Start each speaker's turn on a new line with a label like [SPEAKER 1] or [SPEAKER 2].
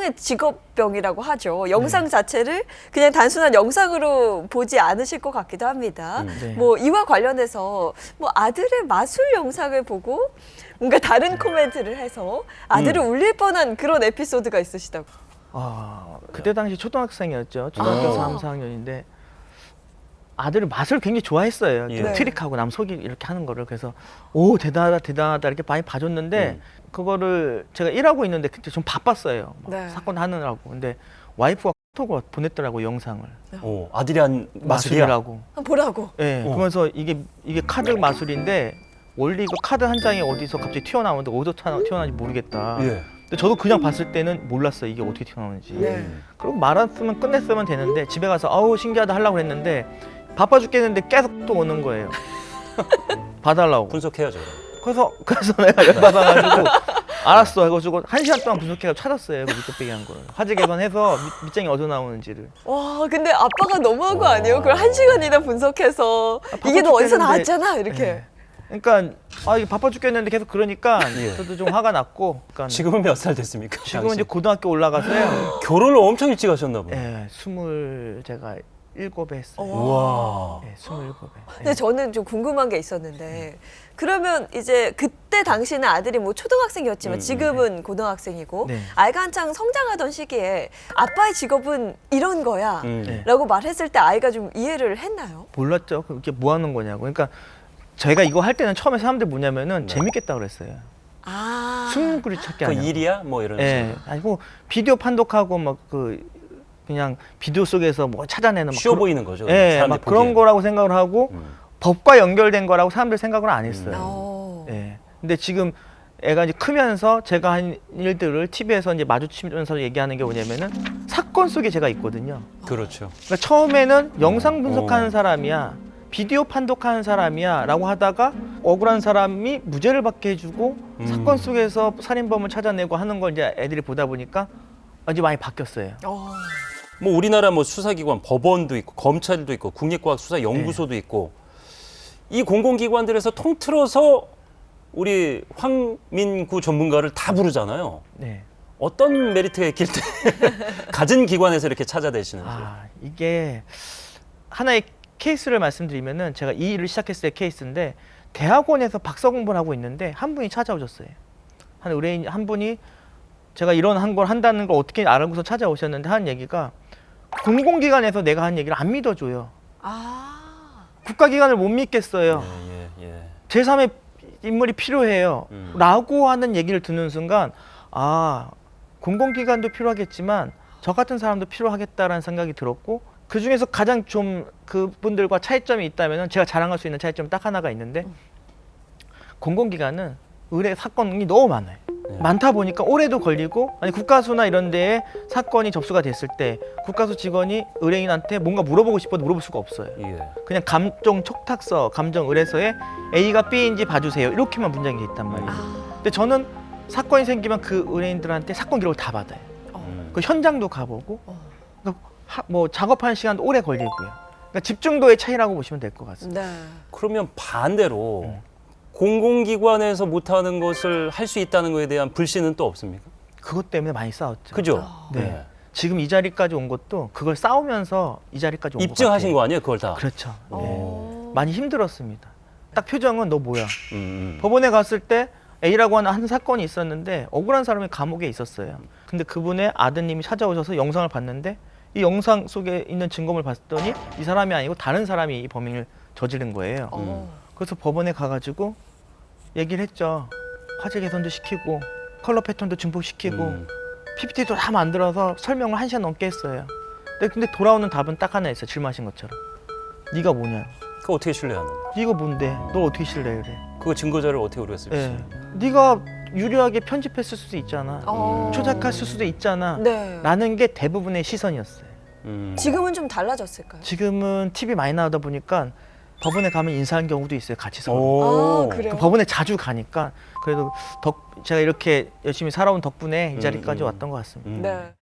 [SPEAKER 1] 하나의 직업병이라고 하죠. 영상 자체를 그냥 단순한 영상으로 보지 않으실 것 같기도 합니다.
[SPEAKER 2] 네.
[SPEAKER 1] 뭐 이와 관련해서 뭐 아들의 마술 영상을 보고 뭔가 다른 코멘트를 해서 아들을 울릴 뻔한 그런 에피소드가 있으시다고.
[SPEAKER 2] 그때 당시 초등학생이었죠. 초등학교 3, 4학년인데 아들을 맛을 굉장히 좋아했어요.
[SPEAKER 3] 예.
[SPEAKER 2] 트릭하고 남 속이 이렇게 하는 거를. 그래서 오 대단하다 대단하다 이렇게 많이 봐줬는데 그거를 제가 일하고 있는데 그때 좀 바빴어요. 막
[SPEAKER 1] 네.
[SPEAKER 2] 사건 하느라고. 근데 와이프가 카톡을 보냈더라고 영상을.
[SPEAKER 3] 오, 아들이 한 마술이야?
[SPEAKER 2] 마술이라고.
[SPEAKER 1] 한번 보라고.
[SPEAKER 2] 예. 그러면서 이게 카드 마술인데 원래 이거 카드 한 장이 어디서 갑자기 튀어나오는데 어디서 튀어나오는지 모르겠다.
[SPEAKER 3] 예.
[SPEAKER 2] 근데 저도 그냥 봤을 때는 몰랐어요. 이게 어떻게 튀어나오는지.
[SPEAKER 1] 네.
[SPEAKER 2] 그리고 말았으면 끝냈으면 되는데 집에 가서 아우 신기하다 하려고 했는데 바빠 죽겠는데 계속 또 오는 거예요. 봐달라고.
[SPEAKER 3] 분석해야죠.
[SPEAKER 2] 그래서 내가 열받아가지고 알았어 해가지고 1시간 동안 분석해가지고 찾았어요. 그 밑도빼기 한 거를. 화재 개선해서 밑장이 어디서 나오는지를.
[SPEAKER 1] 와, 근데 아빠가 너무한 거 아니에요? 그걸 1시간이나 분석해서 이게 너 어디서
[SPEAKER 2] 죽겠는데.
[SPEAKER 1] 나왔잖아 이렇게.
[SPEAKER 2] 예. 그러니까 이게 바빠 죽겠는데 계속 그러니까
[SPEAKER 3] 예.
[SPEAKER 2] 저도 좀 화가 났고. 그러니까
[SPEAKER 3] 지금은 몇 살 됐습니까?
[SPEAKER 2] 지금은 이제
[SPEAKER 3] 당시?
[SPEAKER 2] 고등학교 올라가서요.
[SPEAKER 3] 결혼을 엄청 일찍 하셨나 보네.
[SPEAKER 2] 예, 27에 했어요.
[SPEAKER 3] 우와.
[SPEAKER 2] 예, 27에.
[SPEAKER 1] 근데 저는 좀 궁금한 게 있었는데 그러면 이제 그때 당시는 아들이 뭐 초등학생이었지만 지금은 고등학생이고
[SPEAKER 2] 네.
[SPEAKER 1] 아이가 한창 성장하던 시기에 아빠의 직업은 이런 거야
[SPEAKER 2] 네.
[SPEAKER 1] 라고 말했을 때 아이가 좀 이해를 했나요?
[SPEAKER 2] 몰랐죠. 그게 뭐 하는 거냐고. 그러니까 저희가 이거 할 때는 처음에 사람들 뭐냐면은 재밌겠다 그랬어요.
[SPEAKER 1] 아,
[SPEAKER 2] 숨구리 찾기
[SPEAKER 3] 그
[SPEAKER 2] 아니야.
[SPEAKER 3] 일이야? 뭐 이런
[SPEAKER 2] 예.
[SPEAKER 3] 식으로.
[SPEAKER 2] 아니고 비디오 판독하고 막 그냥 비디오 속에서 뭐 찾아내는 막
[SPEAKER 3] 쉬워
[SPEAKER 2] 그런-
[SPEAKER 3] 보이는 거죠.
[SPEAKER 2] 예,
[SPEAKER 3] 사람들이
[SPEAKER 2] 막 그런
[SPEAKER 3] 보기엔.
[SPEAKER 2] 거라고 생각을 하고 법과 연결된 거라고 사람들 생각을 안 했어요.
[SPEAKER 1] 어.
[SPEAKER 2] 예. 근데 지금 애가 이제 크면서 제가 한 일들을 TV에서 이제 마주치면서 얘기하는 게 뭐냐면은 사건 속에 제가 있거든요.
[SPEAKER 3] 그렇죠.
[SPEAKER 2] 그러니까 처음에는 영상 분석하는 사람이야, 비디오 판독하는 사람이야 라고 하다가 억울한 사람이 무죄를 받게 해주고 사건 속에서 살인범을 찾아내고 하는 걸 이제 애들이 보다 보니까 이제 많이 바뀌었어요.
[SPEAKER 1] 어.
[SPEAKER 3] 뭐 우리나라 뭐 수사기관, 법원도 있고 검찰도 있고 국립과학수사연구소도 있고 이 공공기관들에서 통틀어서 우리 황민구 전문가를 다 부르잖아요.
[SPEAKER 2] 네.
[SPEAKER 3] 어떤 메리트가 있길 때 가진 기관에서 이렇게 찾아내시는지.
[SPEAKER 2] 이게 하나의 케이스를 말씀드리면은 제가 이 일을 시작했을 때 케이스인데 대학원에서 박사 공부를 하고 있는데 한 분이 찾아오셨어요. 한 의뢰인 한 분이 제가 이런 걸 한다는 걸 어떻게 알고서 찾아오셨는데 하는 얘기가 공공기관에서 내가 하는 얘기를 안 믿어줘요.
[SPEAKER 1] 아.
[SPEAKER 2] 국가기관을 못 믿겠어요.
[SPEAKER 3] 예.
[SPEAKER 2] 제3의 인물이 필요해요. 라고 하는 얘기를 듣는 순간 공공기관도 필요하겠지만 저 같은 사람도 필요하겠다라는 생각이 들었고 그중에서 가장 좀 그분들과 차이점이 있다면 제가 자랑할 수 있는 차이점이 딱 하나가 있는데 공공기관은 의뢰 사건이 너무 많아요. 많다 보니까 오래도 걸리고 아니 국가수나 이런 데에 사건이 접수가 됐을 때 국가수 직원이 의뢰인한테 뭔가 물어보고 싶어도 물어볼 수가 없어요.
[SPEAKER 3] 예.
[SPEAKER 2] 그냥 감정 촉탁서, 감정 의뢰서에 A가 B인지 봐주세요. 이렇게만 문장이 돼 있단 말이에요. 근데 저는 사건이 생기면 그 의뢰인들한테 사건 기록을 다 받아요. 그 현장도 가보고 그러니까 뭐 작업하는 시간도 오래 걸리고요. 그러니까 집중도의 차이라고 보시면 될 것 같습니다.
[SPEAKER 1] 네.
[SPEAKER 3] 그러면 반대로 공공기관에서 못하는 것을 할 수 있다는 것에 대한 불신은 또 없습니까?
[SPEAKER 2] 그것 때문에 많이 싸웠죠.
[SPEAKER 3] 그죠?
[SPEAKER 2] 네. 지금 이 자리까지 온 것도 그걸 싸우면서 이 자리까지 온 것 같아요.
[SPEAKER 3] 입증하신 거 아니에요, 그걸 다?
[SPEAKER 2] 그렇죠. 네.
[SPEAKER 1] 어.
[SPEAKER 2] 많이 힘들었습니다. 딱 표정은 너 뭐야?
[SPEAKER 3] 음.
[SPEAKER 2] 법원에 갔을 때 A라고 하는 한 사건이 있었는데 억울한 사람이 감옥에 있었어요. 근데 그분의 아드님이 찾아오셔서 영상을 봤는데 이 영상 속에 있는 증거물 봤더니 이 사람이 아니고 다른 사람이 이 범행을 저지른 거예요. 그래서 법원에 가가지고 얘기를 했죠. 화재 개선도 시키고 컬러 패턴도 증폭시키고 PPT도 다 만들어서 설명을 1시간 넘게 했어요. 근데 돌아오는 답은 딱 하나 있어요. 질문하신 것처럼. 네가 뭐냐?
[SPEAKER 3] 그거 어떻게 신뢰하는?
[SPEAKER 2] 네가 뭔데? 널 어떻게 신뢰해 그래?
[SPEAKER 3] 그거 증거자를 어떻게 우리가 쓸 수?
[SPEAKER 2] 예. 네가 유리하게 편집했을 수도 있잖아.
[SPEAKER 1] 어.
[SPEAKER 2] 조작했을 수도 있잖아.
[SPEAKER 1] 네.
[SPEAKER 2] 라는 게 대부분의 시선이었어요.
[SPEAKER 1] 지금은 좀 달라졌을까요?
[SPEAKER 2] 지금은 TV 많이 나오다 보니까 법원에 가면 인사한 경우도 있어요. 같이 서로.
[SPEAKER 3] 오.
[SPEAKER 1] 아, 그래요?
[SPEAKER 2] 그 법원에 자주 가니까 그래도 제가 이렇게 열심히 살아온 덕분에 이 자리까지 왔던 것 같습니다.
[SPEAKER 1] 네.